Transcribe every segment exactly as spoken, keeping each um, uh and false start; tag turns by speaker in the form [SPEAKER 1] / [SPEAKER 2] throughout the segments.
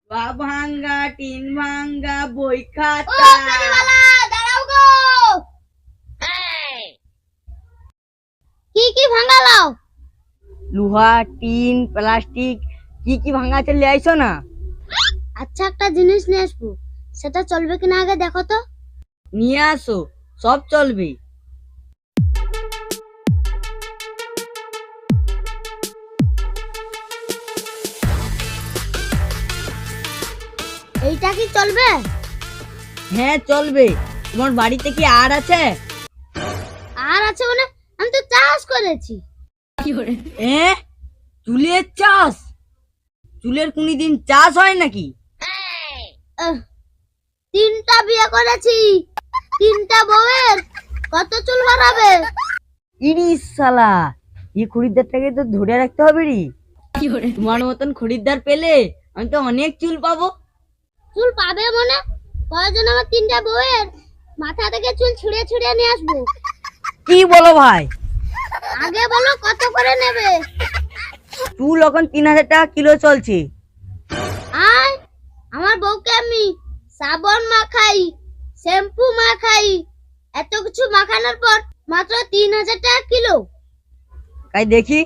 [SPEAKER 1] বা ভাঙ্গা টিন ভাঙ্গা বই
[SPEAKER 2] ও
[SPEAKER 1] খাতা।
[SPEAKER 2] ফেরিওয়ালা দাঁড়াও গো। কি কি ভাঙালাও?
[SPEAKER 1] লোহা টিন প্লাস্টিক কি কি ভাঙ্গা আছে নিয়ে আইসো না।
[SPEAKER 2] আচ্ছা একটা জিনিস নিয়ে আসবো, সেটা চলবে কিনা আগে দেখো তো।
[SPEAKER 1] নিয়ে আসো, সব চলবে।
[SPEAKER 2] এইটা কি চলবে?
[SPEAKER 1] হ্যাঁ চলবে। তোমার বাড়িতে কি আর আছে?
[SPEAKER 2] আর আছে মানে? আমি তো চাষ করেছি।
[SPEAKER 1] এ চুলের চাষ? চুলের কোনদিন চাষ হয় নাকি?
[SPEAKER 2] আহ, তিনটা বিয়ে করেছি, তিনটা বউয়ের কত চুল বাড়াবে?
[SPEAKER 1] ইরিশ শালা, এই খরিদ্দারটাকে তো ধরে রাখতে হবে রে। তোমার মতন খরিদ্দার পেলে আমি তো অনেক চুল পাবো।
[SPEAKER 2] চুল পাবে মনে? কয়জন আমার তিনটা বউয়ের মাথা থেকে চুল ছিঁড়ে ছিঁড়ে নিয়ে আসবো।
[SPEAKER 1] কি বলো ভাই?
[SPEAKER 2] আগে বলো কত করে নেবে?
[SPEAKER 1] চুল এখন তিন হাজার টাকা কিলো চলছে।
[SPEAKER 2] আয়, আমার বউকে আমি সাবান মাখাই, শ্যাম্পু মাখাই, এত কিছু মাখানোর পর মাত্র তিন হাজার টাকা কিলো।
[SPEAKER 1] তাই দেখি।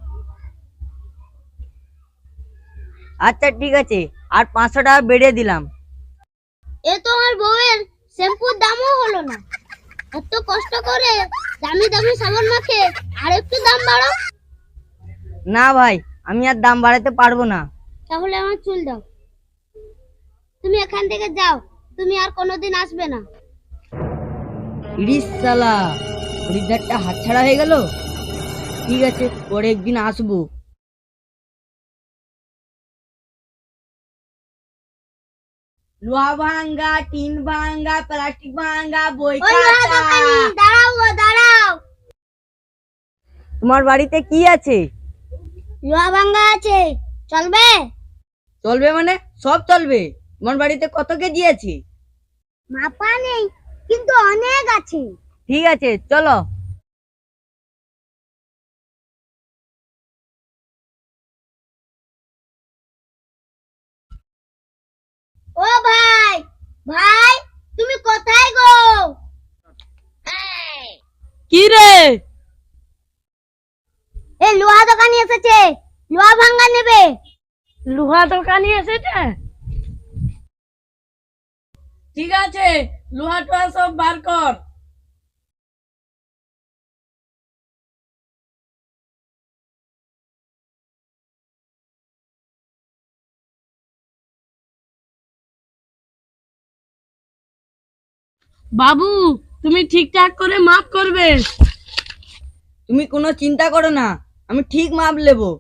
[SPEAKER 1] আচ্ছা ঠিক আছে, আর পাঁচশো টাকা বেড়ে দিলাম।
[SPEAKER 2] এ তো আমার বউয়ের শ্যাম্পুর দামও হলো না। এত কষ্ট করে দামি দামি সাবান মাখে আর একটু দাম বাড়াও।
[SPEAKER 1] না ভাই, আমি আর দাম বাড়াতে পারবো না।
[SPEAKER 2] তাহলে আমার চুল দাও। তুমি এখান থেকে যাও, তুমি আর কোনোদিন আসবে না।
[SPEAKER 1] ইরিশ শালা, খরিদ্দারটা হাতছাড়া হয়ে গেল। ঠিক আছে, পরে একদিন আসবো। লোহা ভাঙ্গা টিন ভাঙ্গা প্লাস্টিক ভাঙ্গা বই
[SPEAKER 2] ওই লোহা
[SPEAKER 1] খাতা।
[SPEAKER 2] দোকানি, দাঁড়াও গো, দাঁড়াও।
[SPEAKER 1] তোমার বাড়িতে কি আছে?
[SPEAKER 2] লোহা ভাঙ্গা আছে, চলবে?
[SPEAKER 1] চলবে মানে সব চলবে। তোমার বাড়িতে কত কেজি আছে?
[SPEAKER 2] মাপা নেই, কিন্তু অনেক আছে।
[SPEAKER 1] ঠিক আছে চলো।
[SPEAKER 2] ও ভাই, ভাই তুমি কোথায় গো?
[SPEAKER 1] কি রে?
[SPEAKER 2] এই লোহা দোকানি এসেছে, লোহা ভাঙ্গা নেবে।
[SPEAKER 1] লোহা দোকানি এসেছে? ঠিক আছে, লোহা টোহা সব বার কর। বাবু, তুমি ঠিকঠাক করে মাপ করবে। তুমি কোনো চিন্তা করো না, আমি ঠিক মাপ নেবো।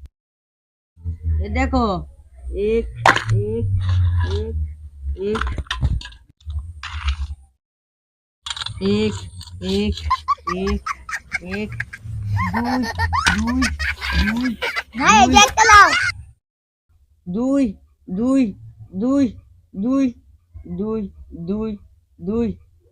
[SPEAKER 1] এ দেখো, এক এক এক এক এক এক এক এক দুই দুই
[SPEAKER 2] ভাই এই যে একটা দাও।
[SPEAKER 1] দুই দুই দুই দুই দুই দুই দুই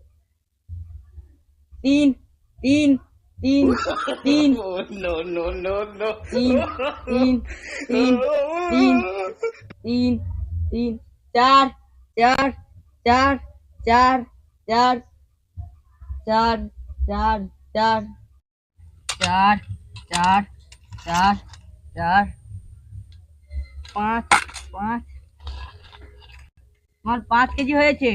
[SPEAKER 1] তিন তিন তিন তিন তিন তিন তিন তিন তিন তিন চার চার চার চার চার চার চার চার চার চার চার চার পাঁচ পাঁচ। আমার পাঁচ কেজি হয়েছে।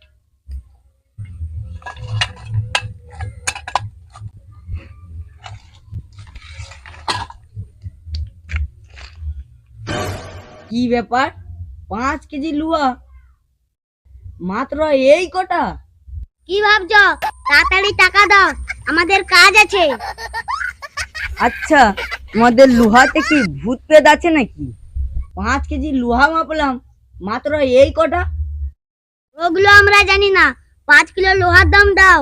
[SPEAKER 1] কি ব্যাপার, পাঁচ কেজি লুয়া মাত্র এই কটা?
[SPEAKER 2] কি ভাবছো? তাড়াতাড়ি টাকা দাও, আমাদের কাজ আছে।
[SPEAKER 1] আচ্ছা, তোমাদের লোহাতে কি ভূত প্রেত আছে নাকি? পাঁচ কেজি লোহা মাপলাম, মাত্র এই কটা?
[SPEAKER 2] ওগুলো আমরা জানি না, পাঁচ কিলো লোহার দাম দাও।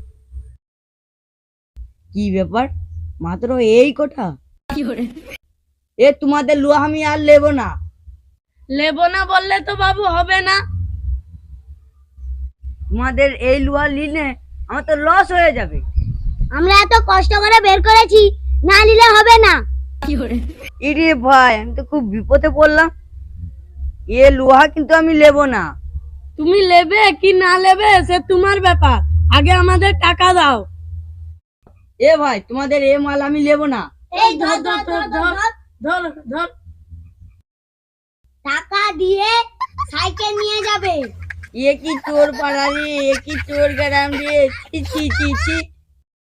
[SPEAKER 1] কি ব্যাপার, মাত্র এই কটা? এ তোমাদের লোহা আমি আর নেবো না। নেবো না বললে তো বাবু হবে না। তোমাদের এই লোহা নিলে আমার তো লস হয়ে যাবে।
[SPEAKER 2] আমরা এত কষ্ট করে বের করেছি, না নিলে হবে না।
[SPEAKER 1] ইরে ভাই, আমি তো খুব বিপদে পড়লাম। এ লোহা কিন্তু আমি নেব না। তুমি নেবে কি না নেবে সে তোমার ব্যাপার, আগে আমাদের টাকা দাও। এ ভাই, তোমাদের এ মাল আমি নেব না।
[SPEAKER 2] এই ধর ধর ধর ধর
[SPEAKER 1] ধর ধর।
[SPEAKER 2] টাকা দিয়ে সাইকেল নিয়ে যাবে।
[SPEAKER 1] এ কি চোর পাড়া রে, এ কি চোর গ্রাম রে, ছি ছি ছি ছি।